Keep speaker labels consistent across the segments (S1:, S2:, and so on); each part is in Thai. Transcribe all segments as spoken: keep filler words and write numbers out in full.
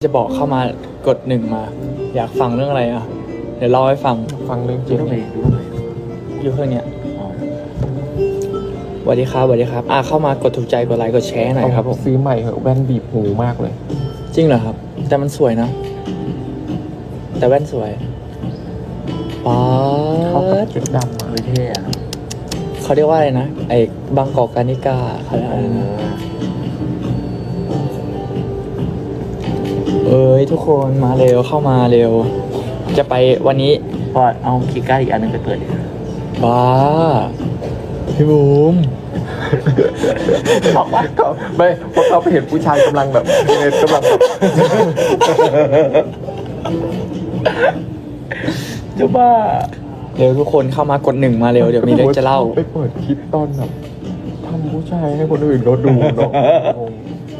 S1: จะบอกเข้ามากดหนึ่งมา อยากฟังเรื่องอะไรอ่ะ เดี๋ยวเล่าให้ฟัง
S2: ฟังเรื่องจ
S3: ดู
S2: ริง
S3: ทำไมดูทำไม
S1: อยู่เครื่องเนี้ย
S3: อ๋อ
S1: สวัสดีครับสวัสดีครับอ่ะเข้ามากดถูกใจกดไลค์กดแชร์หน่อยครับผม
S2: ซื้อใหม่เหอะแว่นบีบหูมากเลย
S1: จริงเหรอครับ แต่มันสวยนะ แต่แว่นสวยป๊า
S2: เข้ากับ
S1: ด
S2: ชุดดำอะ
S3: วิเท่อะ
S1: เขาเรียกว่าอะไรนะไอ้บางกอกการนิกาเขาเรียก
S3: เอ
S1: อะไรนะ
S3: อ
S1: เอ้ยทุกคนมาเร็วเข้ามาเร็ว จะไปวันนี้
S3: พอเอาคีย์การ์ดอีกอันหนึงไปเปิดดิ
S1: บ้าพี่บูม
S2: บอกว่าเขาไม่เพราะเขาไปเห็นผู้ชายกำลังแบบเนกำลังแบบ
S1: จะบ้าเร็วทุกคนเข้ามากดหนึ่งมาเร็วเดี๋ยวมีเรื่องจะเล่า
S2: ไปเปิดคลิปตอนแบบทำผู้ชายให้คนอื่นเขาดูเนาะงง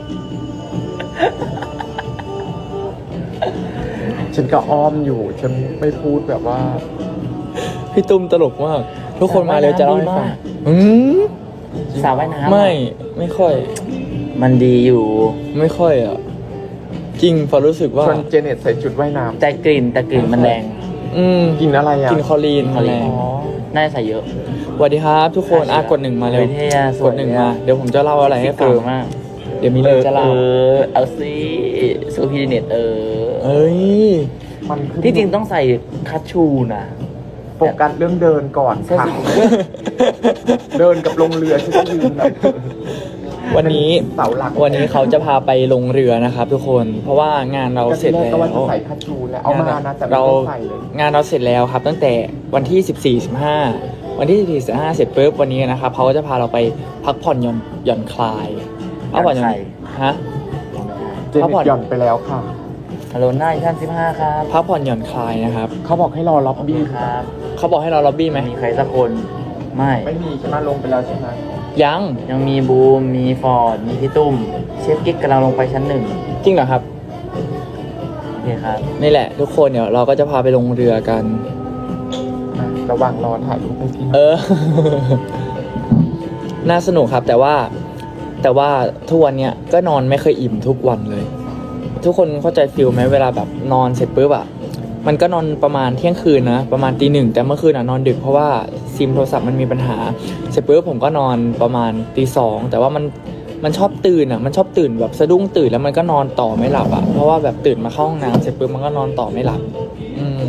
S2: ฉันก็อ้อมอยู่ ฉันไม่พูดแบบว่า
S1: พี่ตุ้มตลกมาก ทุกคนมาเร็วจะเล่าให้ฟังอืม
S3: สาวว่ายน้ำอะ
S1: ไม่ไม่ค่อย
S3: มันดีอยู่
S1: ไม่ค่อยอ่ะ จริงพอรู้สึกว่า
S2: ชวนเจเน็ตใส่ชุดว่ายน้
S3: แต่กลิ่นแต่กลิ่นมันแรง
S1: อืม
S2: ำกินอะไรอ่ะ
S1: กินคอลีน
S3: คอ
S1: แร
S3: ลีน
S1: ง
S3: น่าจะใส่เยอะ
S1: สวัสดีครับทุกคนอ่ะกดหนึ่งมาเร็ว
S3: วิเท่อะส
S1: ก
S3: วย
S1: ดหนึ่ง
S3: อะ
S1: มาเดี๋ยวผมจะเล่าอะไรให้
S3: เอ
S1: ฟัง
S3: อมาก
S1: เดี๋ยวมีเรื่องจะเล่า
S3: เออเอาซิซูพีเน็ตเออ
S1: เอ้ย
S2: มันขึ้น
S3: ที่จริงต้องใส่คัชชูนะ
S2: โฟกัสเรื่องเดินก่อนค่ะเดินกับลงเรือฉันจะยืนแบบ
S1: วันนี้
S2: เสาหลัก
S1: วันนี้เขาจะพาไปลงเรือนะครับ ทุกคนเพราะว่างานเราเสร็จ
S2: ก็
S1: แล้ว
S2: ว่าจะใส่คัชชูแล้วเอามานะแต่ไม่
S1: เรา
S2: ต้องใส่เลย
S1: งานเราเสร็จแล้วครับ ตั้งแต่วันที่สิบสี่ สิบห้าวันที่สิบสี่ สิบห้าเสร็จปุ๊บวันนี้นะครับเขาก็จะพาเราไปพักผ่อนหย่อนหย่อนคลายพักผ่อนหย่อนฮะ
S2: เจเน็ตหย่อนไปแล้วค่ะ
S3: ฮัลโหลหน้าท่านสิบห้าครับ
S1: พักผ่อนหย่อนคลายนะครับ
S2: เขาบอกให้รอล็อบ
S3: โอเค
S2: บี้
S3: ครับ
S1: เขาบอกให้เราล็อบบี้ไหม
S3: มีใครสักคนไม่
S2: ไม่มีใช่ไหมลงไปแล้วใช่ไหม
S1: ยัง
S3: ยังมีบูม มีฟอร์ด มีพี่ตุ้ม เชฟกิ๊กกำลังลงไปชั้นหนึ่ง
S1: จริงเหรอครับ
S3: โอเคครับ
S1: นี่แหละ ทุกคนเดี๋ยวเราก็จะพาไปลงเรือกัน
S2: อ่ะระหว่างรอถ่ายรูปให้พี่หน่
S1: เอ
S2: อย
S1: อ น่าสนุกครับ แต่ว่าแต่ว่าทุกวันเนี้ยก็นอนไม่เคยอิ่มทุกวันเลย ทุกคนเข้าใจฟิลไหมเวลาแบบนอนเสร็จปุ๊บอะมันก็นอนประมาณเที่ยงคืนนะประมาณตีหนึ่งแต่เมื่อคืนอะนอนดึกเพราะว่าซิมโทรศัพท์มันมีปัญหาเสร็จปุ๊บผมก็นอนประมาณตีสองแต่ว่ามันมันชอบตื่นอะมันชอบตื่นแบบสะดุ้งตื่นแล้วมันก็นอนต่อไม่หลับอะเพราะว่าแบบตื่นมาเข้าห้องน้ำเสร็จปุ๊บมันก็นอนต่อไม่หลับ อืม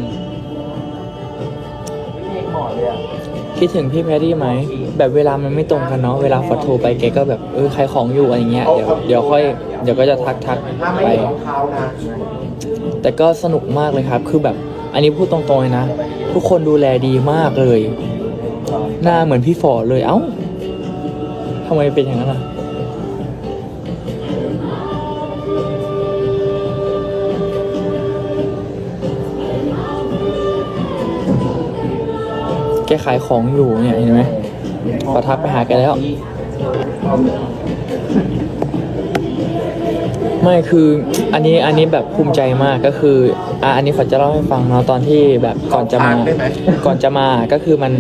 S3: พี่เอกหมอเลยอ่ะ
S1: คิดถึงพี่แพรรี่ไหมแบบเวลามันไม่ตรงกันเนาะเวลาฟอโทรไปแกก็แบบเออใครของอยู่อะไรเงี้ยเดี๋ยวเดี๋ยวค่อยเดี๋ยวก็จะทักทัก
S2: ถ้าไม่
S1: ไป
S2: มีรองเท้านะ
S1: แต่ก็สนุกมากเลยครับ คือแบบอันนี้พูดตรงๆเลยนะ ทุกคนดูแลดีมากเลย หน้าเหมือนพี่ฝอเลย เอ้าทำไมเป็นอย่างนั้นอ่ะ แกขายของอยู่เนี่ยเห็นไหมขอทักไปหาแกแล้ว ไม่คืออันนี้อันนี้แบบภูมิใจมากก็คืออ่ะอันนี้ฝอจะเล่าให้ฟังเนาะตอนที่แบบก่อนจะมา
S2: ได้ไหม
S1: ก่อนจะมาก็คือมัน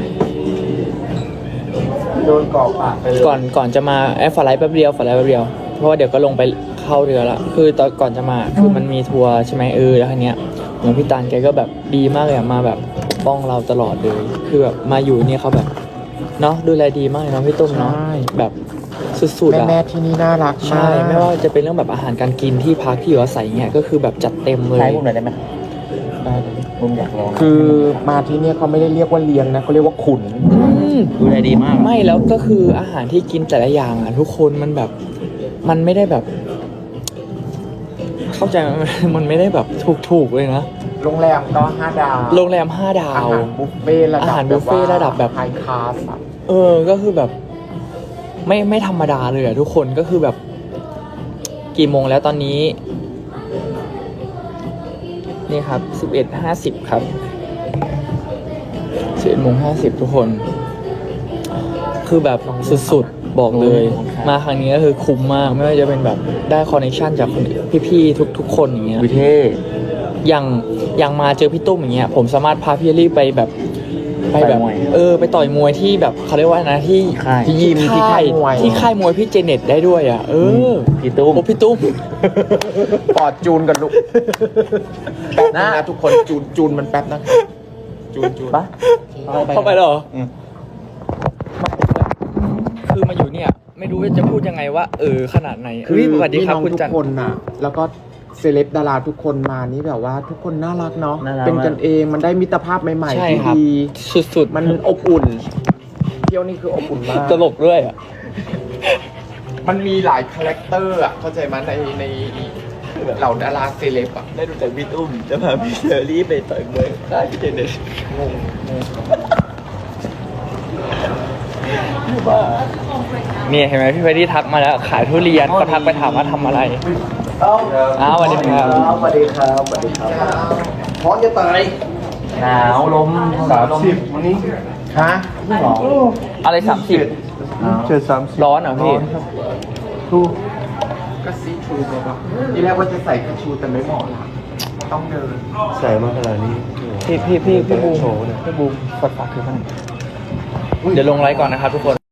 S2: โดนกรอกปากไปเลย
S1: ก่อนก่อนจะมาแอฟฟอร์ไลท์แป๊บเดียวฟอร์ไลท์แป๊บเดียวเพราะว่าเดี๋ยวก็ลงไปเข้าเรือละคือตอนก่อนจะมาคือมันมีทัวร์ใช่ไหมเออแล้วทีเนี้ยเหมือนพี่ตาลแกก็แบบดีมากเลยอะมาแบบป้องเราตลอดเลยคือแบบมาอยู่เนี่ยเขาแบบเนาะดูแลดีมากเลยเนาะพี่ตุ้มเนาะ
S2: ใช่
S1: แบบสุดๆ
S2: แม่
S1: อะ
S2: แม่ที่นี่น่ารัก
S1: ใช่
S2: มาก
S1: ไม่ว่าจะเป็นเรื่องแบบอาหารการกินที่พักที่อยู่อาศัยเนี่ยก็คือแบบจัดเต็มเลย
S3: ใช้บุมหน่อยได้ไหม
S2: ได้เลย
S3: บุมอยากลอง
S2: คือมาที่เนี่ยเขาไม่ได้เรียกว่าเลี้ยงนะเขาเรียกว่าขุน
S1: อืม
S3: ดูแลดีมาก
S1: ไม่แล้วก็คืออาหารที่กินแต่ละอย่างอ่ะ ทุกคนมันแบบมันไม่ได้แบบ เข้าใจไหม มันไม่ได้แบบถูกๆเลยนะ
S2: โรงแรมก็ห้าดาว
S1: โรงแรมห้าดา
S2: อาว หารบุฟเฟ่ต์ระดับ
S1: อาหารบุฟเฟ่ต์ระดับแบบ
S2: ไฮคลาสอะ
S1: เออก็คือแบบ ไม่ไม่ธรรมดาเลยอ่ะทุกคนก็คือแบบ กี่โมงแล้วตอนนี้ นี่ครับสิบเอ็ดห้าสิบครับสิบเอ็ดโมงห้าสิบทุกคน คือแบบสุดๆ บอกเลย มาครั้งนี้ก็คือคุ้มมาก ไม่ว่าจะเป็นแบบได้คอนเนคชั่นจากคนพี่ๆทุกๆคนอย่างเงี้ย
S3: วิเท่
S1: อย่างอย่างมาเจอพี่ตุ้มอย่างเงี้ยผมสามารถพาพี่เอลลี่ไปแบบไปแบบ
S3: ต่อยมวย
S1: เออไปต่อยมวยที่แบบเขาเรียกว่านะที่
S3: ค่าย
S2: ที่ยิมที่ค่ายมวย
S1: ที่ค่ายมวยพี่เจเน็ตได้ด้วยอ่ะเออ
S3: พี่ตุ้ม
S1: โอ้พี่ตุ้ม
S2: ปอดจูนกันลูกแป๊บนึงนะทุกคนจูนจูนมันแป๊บนะจูนจูน
S3: ปะ
S1: เข้าไปแล้วเหรอ
S3: อืม
S1: คือมาอยู่เนี่ย ไม่รู้ว่าจะพูดยังไงว่า เออขนาดไหน
S2: คือ
S1: เฮ้ยสวัสดีครับ
S2: พี่น้อง
S1: คุณ
S2: ทุ
S1: จั
S2: ก
S1: น
S2: คนน่ะ แล้วก็เซเลบดาราทุกคนมานี่แบบว่าทุกคนน่ารักเนาะ
S3: น่ารัก
S2: เป็นกันเองมันได้มิตรภาพใหม่
S1: ใช่
S2: ๆที่
S1: ครับ
S2: ดี
S1: สุดๆ
S2: มันอบอุ่น เที่ยวนี่คืออบอุ่นมาก
S1: ตลกด้วยอ่ะ
S2: มันมีหลายคาแรคเตอร์อ่ะเข้าใจไหมในในเหล่าดาราเซเลบอ่ะ
S4: ได้ดูจากพี่ตุ้มจะพาพี่เชอรี่ไปต่อยมวยค่ายพี่เจเน็ต
S2: งงงง
S1: นี่เห็นไหมพี่เฟรดดี้ทักมาแล้วขายทุเรียนก็ทักไปถามว่าทำอะไร อ้าวสวัสดีครับ
S4: สวัสดีครับสวัสดีครับพร้อมจะตาย
S3: หนาวลม
S4: สามสิบวันนี้
S2: ฮะ
S3: หรอ
S1: อะไรสามสิบ
S4: เจ็ดสามสิบ
S1: ร้อนเหรอพี่
S4: ทู
S2: ก็ซีทรูแบบว่าทีแรกว่าจะใส่กระชูแต่ไม่เหมาะละต้องเดิน
S4: ใส่มาขนาดนี้
S1: พี่พี่พี่พี่บูม
S4: โชว์เนี่ย
S1: พี่บูมกดฝากคือมันเดี๋ยวลงไลฟ์ก่อนนะครับทุกคน